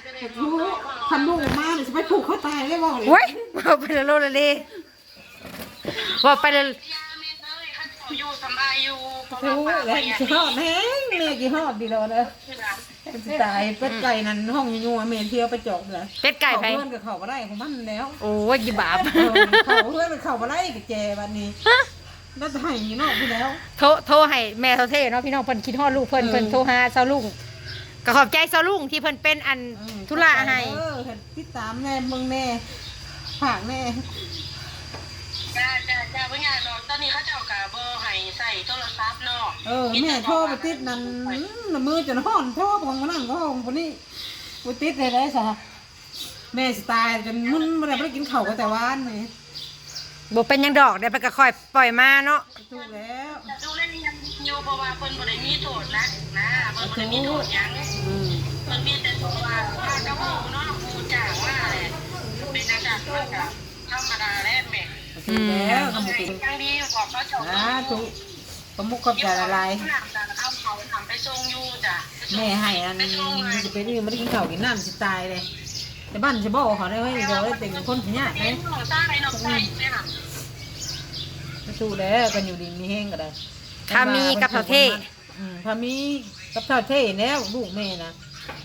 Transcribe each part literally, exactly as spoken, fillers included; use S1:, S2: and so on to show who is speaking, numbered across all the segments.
S1: ผูกคันลูกมาจะไปผูกเขาตายได้บ่เลย
S2: โว้ยว่าไปแล้วโลละเลยว่าไปแล้ว
S3: อยู่สบายอยู่
S1: โอ้ยแล้วกี่หอดแห้งเมย์กี่หอดดีแล้วเด้อตายเป็ดไก่นั่นห้องยัวเมย์เที่ยวไปจอกเลย
S2: เป็ดไก่ไป
S1: เพื่อนกับเขาบ่ได้ของมันแล้ว
S2: โอ้ยกี่บาป
S1: เขาเพื่อนกับเขาบ่ได้กับแจบัดนี้แล้วจะให้นอกไปแล้ว
S2: โทรโทรให้แม่เซาเท่เนาะพี่น้องเพิ่นคิดฮอดลูกเพิ่นเพิ่นโทรหาเซาลุงก็ขอบใจเซาลุงที่เพิ่นเป็นอันธุระให้
S1: เออติดตามแน่มึงแน่ผักแน่
S3: จ้าจ้าจ้าเพื่อนน้องตอนนี้เขาเจ้ากับเบอร์ให้ใส่โทรศัพท์เนาะ
S1: เออแม่โทรไปติดนั่นมือจนห่อนโทรของมันนั่งก็ห้องคนนี้ไปติดเลยได้สะแม่สไตล์จนมึนไม่ได้ไปกินข้าวก็แต่วานนี่
S2: บ่เป็นหยังดอกได้ไปก็ค่อยปล่อยมาเนาะ
S1: ถูกแล้ว
S3: ดูเล่นยังอยู่เพราะว่าเพิ่นบ่ได้มีโทษนะนะเพิ่นบ่ได้มีโทษยัง
S1: อืม
S3: เพิ่นมีแต่ตัวว่าว่ากระหูเนาะกูจ้างว่าแหละเป็นอาจารย์มันก็ธรรมดาแหละแม่
S1: ถูกแล้วทำ
S3: ให้
S1: ถูก
S3: ยังดีบอกเขาเจ้า
S1: นะถูกประมุขขอบใจอะไร
S3: เอาเขาทำไปส่งอยู่จ้ะ
S1: แม่ให้อันจะเป็นนี่ไม่ได้กินข้าวกินน้ำสิตายเลยแต่บ้านจะบอกเขาได้เฮ้ยเดี๋ยวได้แต่งคนขี้ยาก
S3: เห็
S1: เลย
S3: นหนูซ่าไอ้น้องใส่เนี่ยค่ะ
S1: ถูกแล้วกันอยู่ดีมีแห้งก็ได้
S2: ถ้ามีกับเซาเท่
S1: อืมถ้ามีกับเท่าเท่แล้วลูกแม่นะ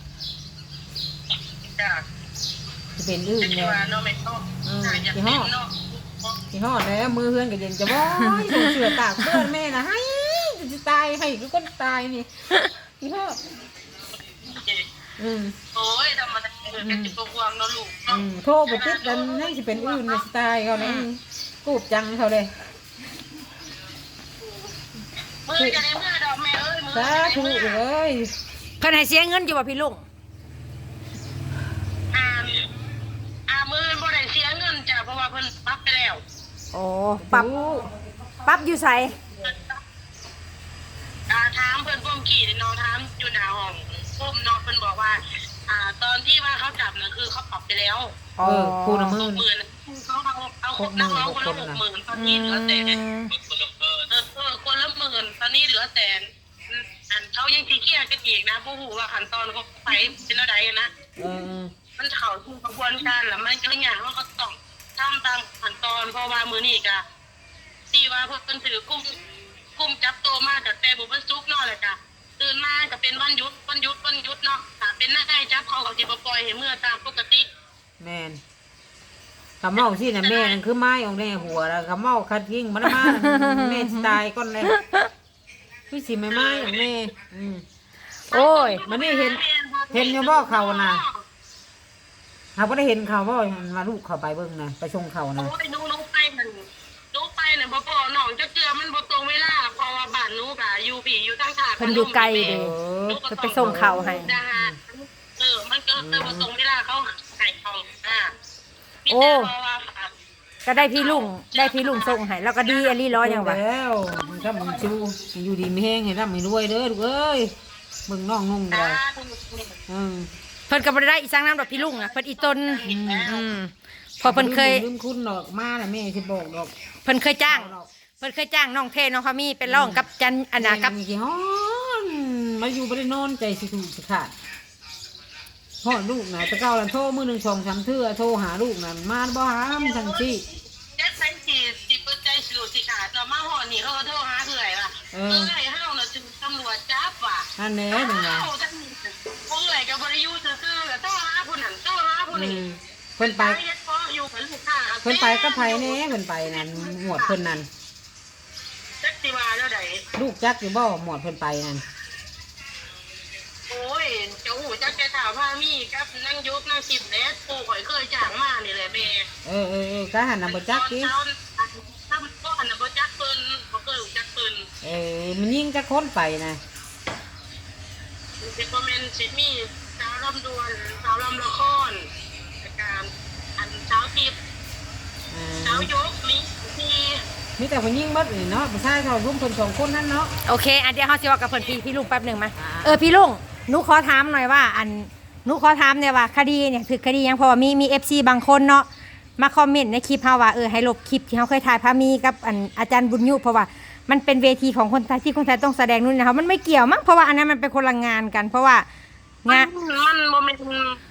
S3: จ้ะ
S1: จะเป็นอื่น
S3: เป็น
S1: เนี่ย
S3: ว่าน้องไม่ต้องจ้ะอย่าเป็นเนาะ
S1: ที่หอดแล้วมือเพื่อนก็เย็นจะบ่อยส่งเสือตากเพื่อนแม่นะให้จะตายให้ก็คนตายนี่ที่หอดอืม
S3: โอ้ยธรรมดาเออเป็นจิตวงเนาะลูก
S1: อืมโทรไปติดกันให้จะเป็นอื่นในสไตล์เขาเนี่ยกูบจังเขาเลย
S3: มือจะได้มือดอกแม่เอ้ยมือ
S1: สาธุเลย
S2: เพิ่นให้เสียเงินอยู่บ่พี่ลุง
S3: อ่าอ่ามือบ่ได้เสียเงินจ้ะเพราะว่าเพิ่นปรับไปแล้ว
S2: โอ้ปรับปรับอยู่ไส
S3: อ่าถามเพิ่นพ่มขี่น้องถามอยู่หน้าห้องพ่มน้องเพิ่นบอกว่า อ่า ตอนที่ว่าเขาจับน่ะคือเขาปรับไปแล้ว
S1: เออคูณ
S3: ห
S1: มื่
S3: ก
S1: น
S3: หมื่นเขาเอาเอานักร้องคนละหกหมื่นตอนนี้เหลือแต่เออเออคนละหมื่นตอนนี้เหลือแต่อันเขายังตีเกียร์กันอีกนะผู้หูว่าขั้นตอนเขาไปเป็นอะไรนะ
S1: เออ
S3: มันเข่าทุกกระบวนการแล้วมันก็อย่างว่าเขาต้องทำตามขั้นตอนเพราะว่ามือนี่กะที่ว่าเพิ่นถือกุ้มกุ้มจับตัวมาจากแต่บุบซุกเนาะเลยจ้ะตื่นมาก็เป็นวันหยุดวันหยุดวันหยุดเนาะถ้าเป็นหน้าได้จับเขาเขาจะปล่อยให้เมื่อตามปกติ
S1: แมนคำเมาที่น่ะแม่นั่นคือไม้ของแม่หัวแล้วคำเมาคัดยิงมันมาแม่ตายก่อนเลยพี่สิไม่ไม้ของแม่อืม
S2: โอ้ย
S1: มันนี่เห็นเห็นอยู่บ่เขาน่ะเขาก็ได้เห็นเขาบ่มาลูกเขาไปเบิ่งนะไปชงเขานะ
S3: โอ้ยหนูหนูไปมันหนูไปเนี่ยบ่พอน้องจะเจือมันบ่ตรงเวลาเพราะว่าบ้านหนูกะอยู่ผีอยู่ทางถาด
S2: เพิ่นอยู่ไกลเด้ เพิ่นไปส่งข้าวให้
S3: เออมันก็เลยบ่ตรงเวลาเขาให้เขาอ่า
S2: โอ้ ก็ได้พี่ลุงได้พี่ลุงส่งให้แล้วก็ดีอลี่ร้อยอย่างวะ
S1: แล้วมันก็มันชูอยู่ดีไม่แห้งให้ร่ำให้รวยเด้อลูกเอ้ยมึงน้องนุ่งเลยอืม
S2: เพิ่นก็บ่ได้อีสังน้ำดอกพี่ลุงอ่ะเพิ่นอีตนอืมพอเพิ่นเคย
S1: ลืมคุณดอกมาน่ะแม่สิบอกดอก
S2: เพิ่นเคยจ้าง เพิ่นเคยจ้างน้องเทน้องเขามีเป็นร้องกับจันอันนากับ
S1: กี่ฮ้อนมาอยู่บ่ได้นอนใจสิถูกสิขาดพ่อลูกน่ะตะเก้าลันโทรมื้อหนึ่งสองสามเทื่อโทรหาลูกน่ะมาบ่หามทั้งที่
S3: เจ็ดแสนสี่สิบเปอร์เซ็นต์สิสิขาดเรามาห่อนี่เขาก็โทรหาเอื่อยว่ะเอื่อยเฮาน่ะจึงตำรวจจับว่ะ
S1: นั่นแหละนั่นน่ะ
S3: เฮาทั้งเอื่อยกับบริยูซื่อๆก็โทรหาผู้นั้นโทรหาผู้
S1: อื
S3: นี้
S1: มเพิ่นไป
S3: อยู่กับลูกค้า
S1: เพิ่นไปกับไผแหน่เพิ่นไปนั่นหมวดเพิ่นนั่น
S3: จักสิว่าเท่าใด
S1: ลูกจักอยู่บ่หมวดเพิ่นไปนั่น
S3: โอ้ยเจ้าหูจักแกถามว่ามีกับนั่งยกนั่งสิบเล็ดปู่ข่อยเคยจ้างมานี่แหละแม่
S1: เออเออเออก็หันน่ะบ่จักติ
S3: ถ้าบ่หันน่ะบ่จักเพิ่นบ่เคยรู้จักเพิ่น
S1: เออมันยิงจักคนไปนะ
S3: สิบ่แม่นสิมีสาวลำดวนสาวลำละครการอันสาวทิพย์
S1: อ่า
S3: สาวยกมีที่
S1: มีแต่ผู้หญิงเบิดนี่เนาะผู้ชายเขารุมเพิ่นสองคนนั่นเนาะ
S2: โอเคอันเดียวเฮาสิเว่ากับเพิ่นพี่พี่ลุงแป๊บหนึงมาเออพี่ลุงหนูขอถามหน่อยว่า อันหนูขอถามเนี่ยว่าคดีเนี่ยคือคดีหยังเพราะว่ามีมี เอฟ ซี บางคนเนาะมาคอมเมนต์ในคลิปเฮาว่าเออให้ลบคลิปที่เฮาเคยถ่ายพามีกับอันอาจารย์บุญยุเพราะว่ามันเป็นเวทีของคนไทยที่คนไทยต้องแสดงนู่นนะคะมันไม่เกี่ยวมั้งเพราะว่าอันนั้นมันเป็นคนละงานกัน เพราะว่า
S3: มั
S2: งาน
S3: นมันบ่แม่น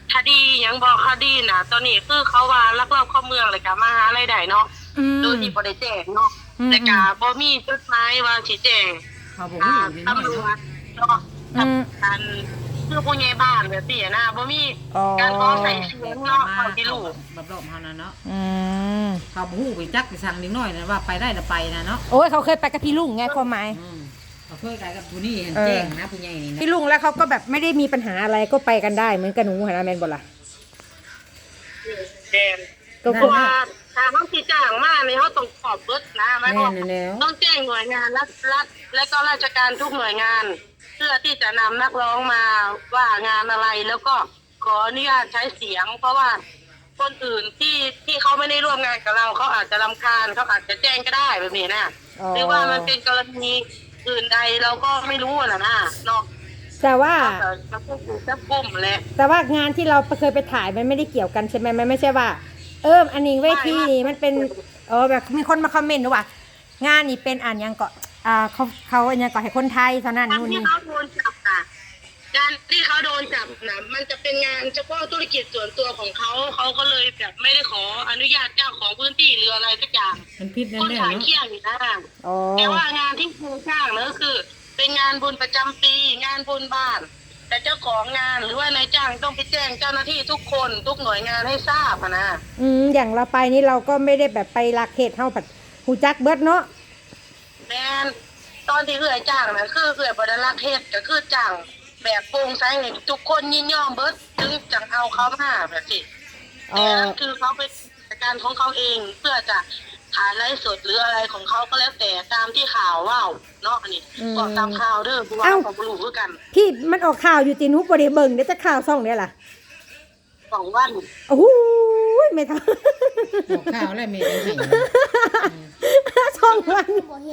S3: คดียังบอกคดีน่ะ ตอนนี้คือเขาว่าลักลอบเข้าเมืองเลยกะมาหารายได้เนาะ
S2: อืม
S3: โดยที่บ่ได้แจ้งเนาะ
S2: อืม
S3: แต่กะบ่มีจดหมายว่าสิแจ้ง
S1: เขาบอก
S3: อ่า
S1: ว่าอยู่ในน้อย
S3: ตำรว
S1: เนาะ
S3: จเนาะกับการคือผู้ใหญ่บ้านแบบนี้นะบ่มี
S2: อ๋อ
S3: การขอใส่เสียงเนาะเขาที่รู้
S1: แบบรอบเฮานะเนาะ
S2: อืม
S1: เขาบ่ฮู้ไปจักไปสั่งนิดหน่อยนะว่าไปได้หรือไปนะเนาะ
S2: โอ้ยเขาเคยไปกับพี่ลุงไงความหมาย
S1: อืมเขาเคยไปกับผู้นี้เห็น
S2: เออ
S1: แจ้งนะผู้ใหญ่นี่นะ
S2: พี่ลุงแล้วเขาก็แบบไม่ได้มีปัญหาอะไรก็ไปกันได้เหมือนกับหนูหันนะแมนบอล่ะ
S3: แดง
S2: ก็
S3: เพ
S2: คือ
S3: ราะว่าถ้าเขาสิจ้างมาเนี่ยเขาต้องขอบเบิดนะหมายความ
S1: แม่
S3: ว่าน
S1: แล้ว
S3: ต้องแจ้งหน่วยงานรัฐรัฐและก็ราชการทุกหน่วยงาน เพื่อที่จะนำนักร้องมาว่างานอะไรแล้วก็ขออนุญาตใช้เสียง เพราะว่าคนอื่นที่ที่เขาไม่ได้ร่วมงานกับเราเขาอาจจะรำคาญเขาอาจจะแจ้งก็ได้แบบนี้นะหรือว่ามันเป็นกรณีอื่นใดเราก็ไม่รู้นะนะเนาะ
S2: แต่ว่า
S3: แต่จะพูดถึงจับกลุ่มแหละ
S2: แต่ว่างานที่เราเคยไปถ่ายมันไม่ได้เกี่ยวกันใช่ไหมมันไม่ใช่ว่า เอออันนี้เวทีนี่มันเป็นเออแบบมีคนมาคอมเมนต์ว่างานนี่เป็นอ่านยังก็อ่าเขาเขาอันยังก็ให้คนไทยเท่านั้น
S3: การ
S2: นู่น
S3: ที่
S2: นี่
S3: เขาโดนจับอ่ะการที่เขาโดนจับนะมันจะเป็นงานเฉพาะธุรกิจส่วนตัวของเขาเขาก็เลยแบบไม่ได้ขออนุญาตเจ้าของพื้นที่หรืออะไรสักอย่าง
S1: มันพิษนั่
S3: คน น
S1: แหละ
S3: ขาย
S1: เนาะ
S3: เที่ยงอยู่นะ
S2: อ๋อ
S3: แต่ว่างานที่ครูจ้างนั่นก็คือ เป็นงานบุญประจำปี งานบุญบ้าน แต่เจ้าของงานหรือว่านายจ้างต้องไปแจ้งเจ้าหน้าที่ทุกคนทุกหน่วยงานให้ทราบอะนะ
S2: อืมอย่างเราไปนี่เราก็ไม่ได้แบบไปลักเหตุเท่าผัดหูจักเบิดเนาะ
S3: แมนตอนที่เอื่อยจ้างนะคือเอื่อยบริลักเทศก็คือจ้างแบบโปร่งใสให้ทุกคนยินยอมเบิดถึงจังเอาเขามาแบบนี้
S2: อ๋
S3: แต่
S2: อ
S3: นั่นคือเขาเป็นกิจการของเขาเองเพื่อจะขายไลฟ์สดหรืออะไรของเขาก็แล้วแต่ตามที่ข่าวว่าวเนาะอันนี้ก็ตามข่าวเด้อผู้ว่าของบรูคือกัน
S2: พี่มันออกข่าวอยู่ตีนุบริเบิงเดี๋ยวจะข่าวซ่องเนี่ยล่ะ
S3: สองวัน
S2: โอ้โหไม่ทัน
S1: บอกข่าวอะไรเมย์ได้ให้
S2: ช่องวัน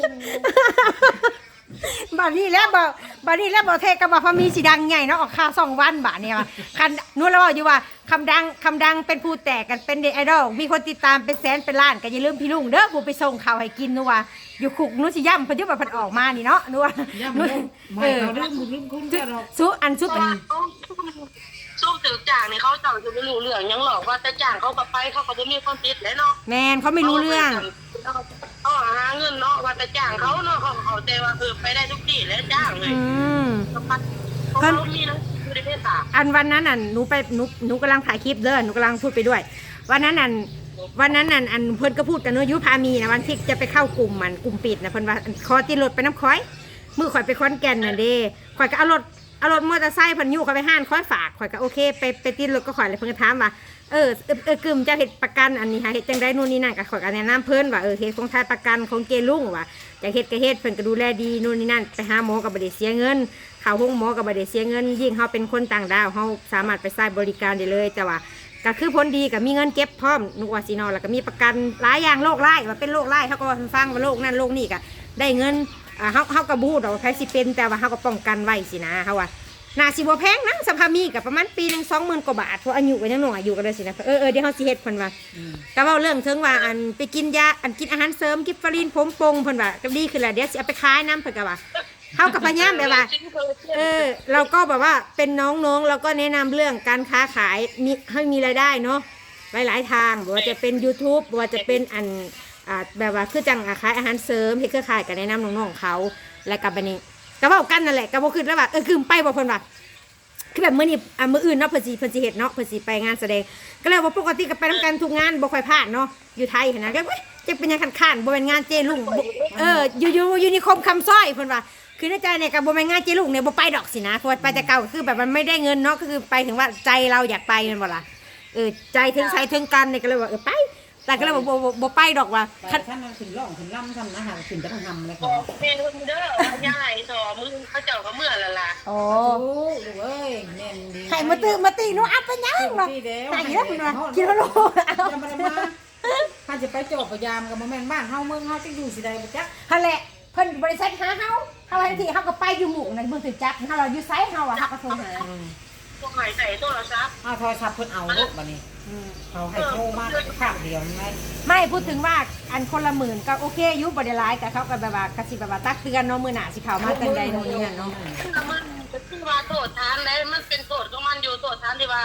S2: บัดนี้แล้วบ่บัดนี้แล้วบ่เทกับบ่พอมีสีดังใหญ่เนาะออกข่าวสองวันบาดเนี่ยว่าคันนู้นแล้วอยู่ว่าคำดังคำดังเป็นผู้แตกกันเป็นเด็กไอดอลมีคนติดตามเป็นแสนเป็นล้านก็อย่าลืมพี่ลุงเด้อผู้ไปส่งข่าวให้กินนัวว่าอยู่คุกนู้นสิย่ำเพิ่นอยู่ว่าเพิ่นออกมานี่เนาะนัว
S1: ย่ำ
S2: นู้น
S1: ลูกไม่
S2: เออ
S1: เขาเรื่องบุญเรื่องคุณแค่เรา
S2: ซุอันซุเป็น
S3: สู้ถือจ่างนี่เขาจังจะไม่รู้เรื่องยังหรอกว่าแต่จ่างเขาก็ไปเขาก็จะมีความผิดแหละเนาะ
S2: แมนเขาไม่รู้เรื่อง
S3: เขาหาเงินเนาะว่าแต่จ่างเขาเนาะเขาเขาใจว่าเออไปได้ทุกที่แล้วจ้างเลย
S2: อืม
S3: เขามีหนังสือในเพศสาม
S2: อันวันนั้นน่ะหนูไปหนูหนูกำลังถ่ายคลิปเด้อหนูกำลังพูดไปด้วย วันนั้นน่ะวันนั้นน่ะอันเพิ่นก็พูดกันเนอะยุพามีนะวันที่จะไปเข้ากลุ่มมันกลุ่มปิดนะเพิ่นว่าขอติดรถไปน้ำค้อยมือข่อยไปค้อนแก่นน่ะเด้ข่อยก็เอารถเอารถมอเตอร์ไซค์เพิ่นยู่ข่อยไปห้านค้อยฝากข่อยก็โอเคไปไปติดรถก็ข่อยเลยเพิ่นก็ถามว่าเออเออเออกึมจะเฮ็ดประกันอันนี้ค่ะเฮ็ดจังได๋นู่นนี่นั่นก็ข่อยก็แนะนำเพิ่นว่าเออเฮ็ดของทายประกันของเกลุงว่าอยากเฮ็ดก็เฮ็ดเพิ่นก็ดูแลดีนู่นนี่นั่นไปหาหมอก็บ่ได้เสียเงินเข้าห้องหมอก็บ่ได้เสียเงินยิ่งเฮาเป็นคนต่างดาวเฮาสามารถไปใช้บริการได้เลยแต่ว่า ก็คือผลดีกับมีเงินเก็บพร้อมนุกว่าสินอแล้วก็มีประกันหลายอย่างโรคไร้ว่าเป็นโรคไร้เขาก็ว่าฟังว่าโรคนั่นโรคนี่ก็ได้เงินอ่าเฮาเฮาก็บ่ฮู้ดอกว่าใครสิเป็นแต่ว่าเฮาก็ป้องกันไว้สินะเฮาว่าน่าสิบ่แพงนะสภาพมีก็ประมาณปีหนึง สองหมื่น กว่าบาทเพราะอายุก็ยังน้อยอยู่กันเลยสินะเออเออเดี๋ยวเฮาสิเฮ็ดเพิ่นว่าก็เว้าเรื่องถึงว่าอันไปกินยาอันกินอาหารเสริมกิฟฟารินผมปงเพิ่นว่าก็ดีขึ้นแล้วเดี๋ยวสิเอาไปขายนํเพิ่นก็ว่าเฮาก็พยายามแบบว่า เออเราก็แบบว่าเป็นน้องๆเราก็แนะนำเรื่องการค้าขายมีให้มีรายได้เนาะหลายๆทางบอกว่าจะเป็น YouTube บอกว่าจะเป็นอันอ่าแบบว่าคือจังขายอาหารเสริมที่เครือข่ายกันแนะนำน้องๆเขาและกับบันนี้ก็บอกกันนั่นแหละก็บอกคือแล้วว่าเออคือไปบอกเพิ่นว่าคือแบบมื้อนี้อ่ะมื้ออื่นเนาะเพิ่นสิเพิ่นสิเฮ็ดเนาะเพิ่นสิไปงานแสดงก็เลยว่าปกติก็ไปนํกันทุกงานบ่ค่อยพลาดเนาะอยู่ไทยหันนะก็เว้ยจะเป็นหยังคันๆบ่เป็นงานเจลุงบ่เอออยู่อยู่อยู่นิคมคำสร้อยเพิ่นว่าคือในใจเนี่ยกับบ่แม่นงานเจลุงเนี่ยบ่ไปดอกสินะเพราะว่าไปแต่เก่าคือแบบมันไม่ได้เงินเนาะก็คือไปถึงว่าใจเราอยากไปแม่นบ่ล่ะเออใจถึงใจถึงกันเนี่ยก็เลยว่าเออไปแต่ก็เลยบ่บ่บ่ไปดอกว่า
S1: ไปท่านขึ้นร่องขึ้นล่ำทำนะฮะขึ้นจะต้องทำเลย
S3: บ
S1: ค่ะ
S3: อกเมนูเด้อยายต่อมือเขาเจ้าก็เมื่อละล่ะ
S2: โอ้
S1: โอ้ดูเอ้ยแน่นดี
S2: ให้มาตื้อมาตีหนูอัพไปยังเนาะใส่แล้วเพิ่นว่าคิดว่าโลเอา
S1: จะมามาถ้าจะไปจบพยายามกับโมเมนต์บ้านเฮาเมืองเฮาจะอยู่สิใดบ่จัก
S2: หั่นแหละเพิ่นบริษัทหาเฮาเฮาทันทีเฮาก็ไปอยู่หมู่ในเมืองตึกจักรเฮาเราอยู่ไสเฮาอะเฮาก็โทรหา
S3: พวกหายใส่โทรศัพท์
S1: เอาโทรศัพท์เพิ่นเอาลูกบัดนี้เขาให้โทรมาข้างเดียวนี่ไง
S2: ไม่พูดถึงว่าอันคนละหมื่นก็โอเคอยุบได้หลายแต่เขาก็แบบว่ากระสิแบบว่าตักเตือนเนาะมื้อหน้าสิเข้ามาจังใดโน่นนี่นั่นเนาะ
S3: มันคือว่าโทษทานแล้วมันเป็นโทษของมันอยู่โทษทานที่ว่า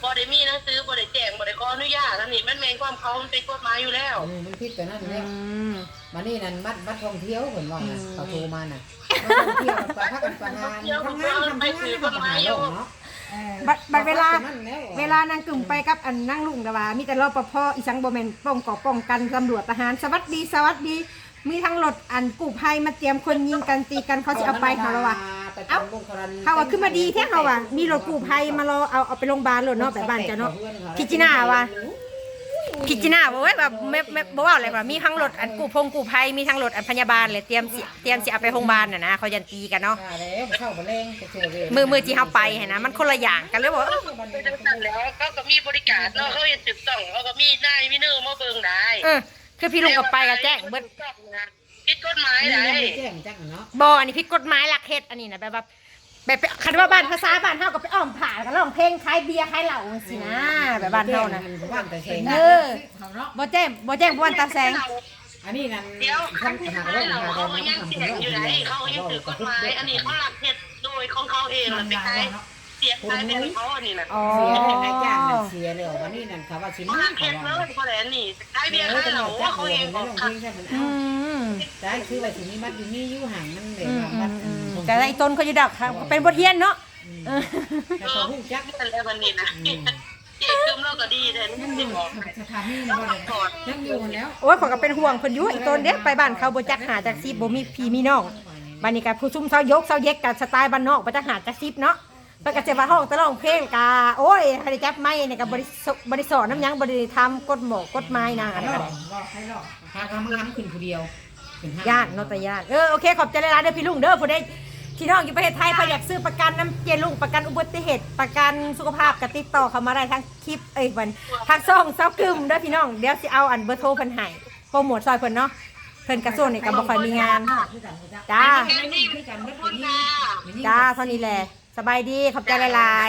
S3: บ่ได้มีหนังสือบ่ได้แจ้งบ่ได้ขออนุญาตอันนี้มันแม่นความเขามันเป็นกฎหมายอยู่แล้ว
S1: เออมันผิดแต่นั่น
S2: อื
S1: แล้ว
S2: ม
S1: มานี่นั่นบัดบัดท่องเที่ยวเพิ่นว่าน่ะ
S2: อืม
S1: เขาโทรมาน่ะบัดท่องเที่ยวไปพักกันประหารทำงานทำงานให้เขาหาโลกเนาะ
S2: บัดบัดเวลา
S1: นั่นแล้ว
S2: เวลานางกึ่มไปกับอันนั่งลุงแต่ว่ามีแต่รปภอีสังบ่แม่นป้องก่อป้องกันตำรวจทหารสวัสดีสวัสดีมีทั้งรถอันกู้ภัยมาเตรียมคนยิงกันตีกันเขาสิเอาไปเขาแล้วว่า เอ้า เขาว่าขึ้นมาดีแท้เขาว่ามีรถกู้ภัยมารอเอาเอาไปโรงพยาบาลเลยเนาะแบบบ้านจ้ะเนาะพิจินาว่าพิจินาบอกว่าแบบไม่ไม่บอกว่าอะไรว่ามีทั้งรถอันกู้พงกู้ภัยมีทั้งรถอันพยาบาลเลยเตรียมสิเตรียมสิเอาไปโรงพยาบาลน่ะนะเขายันตีกันเนาะ
S1: แล้วเข้าไปแรงไปเจอเลย
S2: มือมือที่เขาไปเห็นนะมันคนละอย่างกันเลยบอกว่า
S3: เป็นจังซั่นแล้วเขาก็มีบริการเนาะเขาเฮ็ดถูกต้องเขาก็มีนายมีเนื้อมาเบิ่งได้
S2: เออคือพี่ลุงกับไปกับแจ้งเบิด
S3: ผิดกฎหมาย
S1: นี่
S3: ได้
S1: ยังไม่แจ้งจังเนาะ
S2: บออันนี้ผิดกฎหมายหลักเฮ็ดอันนี้นะแบบว่าแบบไปคันว่าบ้านภาษาบ้านเฮาก็ไปอ้อมผ่ากันร้องเพลงขายเบียร์ขายเหล้าสินะแบบบ้านเฮานะ
S1: บ้านแต่เชง
S2: เออบ่แจ้งบ่แจ้งบ่วันตาแสง
S1: อันนี้นั่น
S3: เดี๋ยว
S1: ท่านหาเรื่องหา
S3: เขา
S1: เรื่อง
S3: ยัง
S1: ทำ
S3: เสี
S1: เรื่
S3: ย
S1: อง ง
S3: อยู่ไหนเขายังถือกฎหมายอันนี้เขาหลักเฮ็ดโดยของเขาเองมันไปขายเสียขายเป็นเขาอันนี้น่ะ
S2: อ๋อ
S1: เสียเลยนายจ้างนั่นเสียเลยวันนี้นั่นเขาว่าชิม
S3: เขาห
S1: มา
S3: ลัก
S1: เขา
S3: เฮ็ด
S1: ว่า
S3: เลยเขาแหละนี่ขายเบียร์
S1: เออ
S3: ขาย
S1: จะ
S3: เห
S1: ห
S3: ล้า
S1: นูจัก
S3: เขา
S1: เดี
S3: เอ
S1: ยว
S3: ง
S1: ไม่
S3: อ
S1: ล
S3: อก
S1: ง
S3: ค่ะ
S1: ทิ้งใช่ไหม
S2: อื
S1: เอ้าม ได้คือว่าสิมีมัดอยู่นี่อยู่ห่างมันเดี๋ยวมัด
S2: แต่ไอ้ต้นเขาอยู่ดักครับเป็นบทเรียนเนาะ
S1: แต่เขาหูจัก
S3: นี่แหละวันนี้นะเจ๊เติมเราก็ดีแต่นี่สิบอก
S1: สถานีนี่บ่ได้ยังอยู่แล้ว
S2: โอ้ยขอยก็เป็นห่วงเพิ่นอยู่ไอ้ต้นเด้ไปบ้านเขาบ่จักหาจักซีบ่มีพี่มีน้องบ้านนี้ก็ผู้ซุ่มเซายกเซาเย็กกันสไตล์บ้านนอกบ่จักหาจักซีเนาะเพิ่นก็สิว่าห้องตะร้องเพลงกาโอ้ยให้ได้จับไม้นี่ก็บ่ได้บ่ได้สอนน้ำหยังบ่ได้ทำกฎหมอกกฎหมายนางอันนั้น
S1: พาเขามาทำขึ้นผู้เดียว
S2: ญาติเนาะแต่ญาติเออโอเคขอบใจหลายๆเด้อพี่ลุงเด้อผู้ใดที่น้องอยู่ประเทศไทยเพิ่นอยากซื้อประกันน้ำเจลุงประกันอุบัติเหตุประกันสุขภาพก็ติดต่อเข้ามาได้ทางคลิปเอ้ยวันทางช่องเซากึมเด้อพี่น้องเดี๋ยวสิเอาอันเบอร์โทรเพิ่นให้โปรโมทซอยเพิ่นเนาะเพิ่นกระทรวงนี่ก็บ่ค่อยมีงานจ้าจ้าเท่านี้แหละสบายดีขอบใจหลาย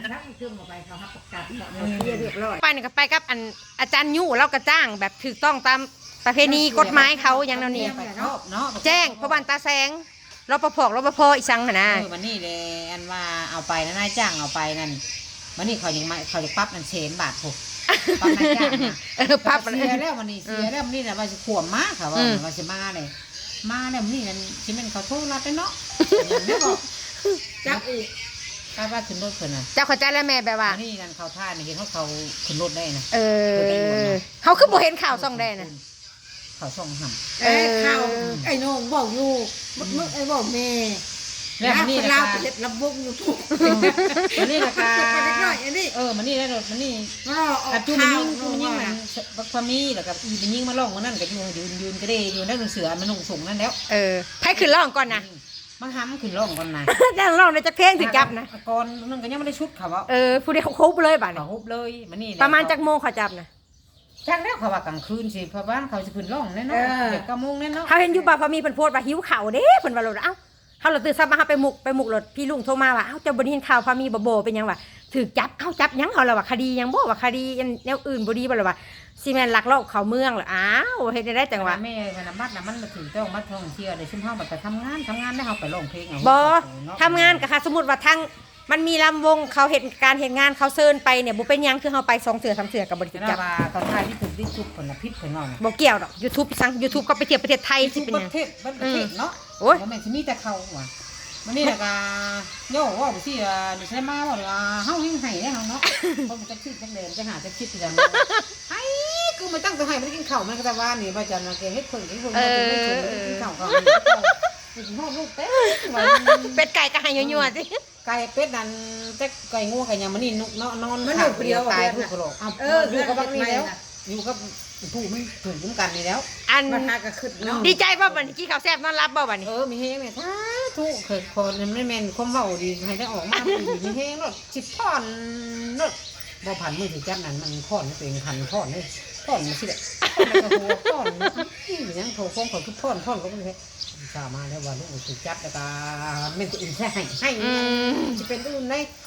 S2: ๆไปนี่ก็ไปกับอันอาจารย์ยู่เราก็จ้างแบบถูกต้องตามประเพณีกฎหมายเขาอย่างนั้นนี่แจ้งพระบานตาแสงรปภรปภอีสังหั่นนะ
S1: เออวันนี้เลยอันว่าเอาไปนะนายจ้างเอาไปนั่นวันนี้เขายังมาเขาจะปั๊บนั่นเชนบาทผมปั๊บนายจ้างนะ
S2: เออพับ
S1: เสียแล้ววันนี้เสียแล้ววันนี้นะว่าจะขวมมากค่ะว่าว่าจะมาเลยมาแล้ววันนี้นั่นชิเป็นเขาโทษรัดเลยเนาะอย่างนี้บอกจักอีกกล้าว่าขึ้นรถเพิ่นน่ะ
S2: เจ้าเข้าใจแล้วแม่แบบว่า
S1: วันนี้นั่นเขาท่านี่เห็นเขาเขาขึ้นรถได้นะ
S2: เออเขาคือบ่เห็นข่าวซ่องได้นะ
S1: เขาส่งหำ
S4: เอ้ยข้าวไอ้โหนงบอกอยู่มึกมึกไอ้บอกแม่
S1: แล้ววันนี้
S4: คน
S1: นะ
S4: ลาว
S1: คะ
S4: ไปเฮ็ดลำวงอยู่ทุก
S1: วันนี้นะคะ
S4: ไปเล็กน้อยอันนี้
S1: เออมันนี่ได้รถมันนี่
S4: มันรอออก
S1: อัดจุมัน
S4: ข้าว
S1: ยิงจุมันยิงมัน
S4: นะ
S1: บักพามีแล้วก็อีมันยิงมาล่องมันนั่นก็อยู่ยืนยืนก็ได้อยู่นั่นเสือมันลงส่งนั่นแล้ว
S2: เออไผขึ้นร้องก่อนนะ
S1: มันห้ำขึ้นล่องก่อนนะ
S2: แต่ร้องในจักเพลงถึงจับนะ
S1: ก่อนนั่นก็ยังไม่ได้ชุดเขาว่า
S2: เออผู้ใดเขาคุบเลยบาด
S1: เขา
S2: นี้
S1: ฮุบเลยมันนี่
S2: ประมาณจักโมงเขาจับนะ
S1: จังแล้วเขาว่ากลางคืนสิเพราะบ้านเขาจะขึ้นล่องแน่นอนเด็กกระมงแน่นอน
S2: เขาเห็นอยู่บ่พอมีเพิ่นโพสต์ว่าหิวข้าวเด้เพิ่นว่าโลดเอ้าเฮาเราตื่นซับมาเฮาไปหมุกไปหมุกรถพี่ลุงโทรมาว่าเอ้าเจ้าบ่ได้เห็นข่าวพามีบ่โบเป็นหยังวะถูกจับเอ้าจับหยังเฮาล่ะว่าคดีหยังบ่ว่าคดีแนวอื่นบ่ดีบ่ล่ะว่าซีแม่นลักลอบเข้าเมืองเหรออ้าวเฮ็ดได้จังหวะ
S1: แม่พนักบัตรนะมันมาถึงต้องมาท่องเที่ยวในชุ่มห้องแบบไปทำงานทำงานได้เขาไปร้องเพลงเอา
S2: บ่ทำงานก็ค่ะสมมุติว่าทางมันมีลำวงเขาเห็นการเห็นงานเขาเซิร์นไปเนี่ยบ่เป็นหยังคือเฮาไปสองเสือสามเสือกับบริ
S1: จะ
S2: จับ
S1: ว่าเขาทายที่ถูกที่สุดผลพิษผลนอง
S2: บ่เกี่ยวดอก YouTube สั่ง YouTube ก็ไปเที่ยวประเทศไทยสิ
S1: ทุก
S2: เป็น
S1: ป
S2: หยัง
S1: ระเทศประเทศเนาะ
S2: โอ้ย
S1: บ่แม่นสิมีแต่เขาว่ะมันนี่แหละก็โย่ว่าสิอ่าดิฉันมาว่าว่าเฮายังให้ได้เฮาเนาะเพราะมันจะคิดจังเดินจะหาจะคิดจังไอ้กูไม่ตั้งตัวให้มันกินข้าวมันก็แต่ว่านี่ว่าจะมาเกเฮ็ดเพิ่นกินเพิ่นกินเพิ่นกินข้าวเขากินข้าวลูกเต้
S2: เป็ดไก่ก็ให้ยั่วๆสิ
S1: ไก่เป็ดนั่นแต่ไก่งูไก่ยังมันนี่นุกเนาะนอนตายผู้กระโดดเอออยู่กับบักนี่แล้วอยู่กับผู้มันถูกคุ้มกันนี่แล้ว
S2: อัน
S4: มาหาก็ขึ้นเนาะ
S2: ดีใจบ่บัดนี้กินข้าวแซ่บนอนรับบ่บัดนี้
S1: เออมีเฮงเนี่ยถ้าทุกเคยคนไม่แม่นความเว้าดีให้ได้ออกมาดีมีเฮงรถสิบท่อนรถบ่พันมือถือจับนั้นมันท่อนตัวเองพันท่อนเลยท่อนมันสิแหละท่อนแล้วก็หัวท่อนนี่ยังโถฟงของทุกท่อนท่อนก็ไม่ใช่สามาแล้วว่าลูกถือจับแล้วก็แม่นตัวอื่นใช่ให้ให้จะเป็นอื่นได้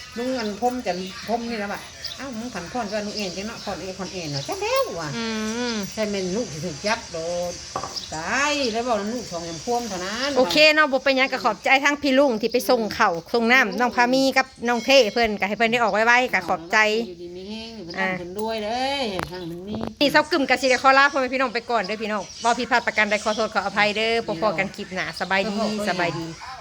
S1: ลุงอันพมจันพมนี่แล้วบ่เอ้ามึงผันพ่อนว่านุเอ็นจังเนาะพ่อนเอ็นพ่อนเอ็นเนาะจังแล้วว่ะ
S2: อืม
S1: ใช่แม่นลูกสิถูกยับโดดตายแล้วบอกลูกสองยำพ่วมเท่านั้น
S2: โอเคเนาะบ่เป็นหยังก็ขอบใจทั้งพี่ลุงที่ไปส่งข้าวส่งน้ำน้องพามีกับน้องเท่เพิ่นก็ให้เพิ่นได้ออกไวๆก็ขอบใจ
S1: อยู่ดีมีแห้งอยู่เพิ่นทำเพิ่นด้วยเด้ยทางเพิ่นนี่
S2: นี่เซากึ่มกับสิได้ขอลาพ่อแม่พี่น้องไปก่อนเด้อพี่น้องบ่ผิดพลาดประการใดขอโทษขออภัยเด้อพบกันคลิปหน้าสบายดีสบายดี
S1: ส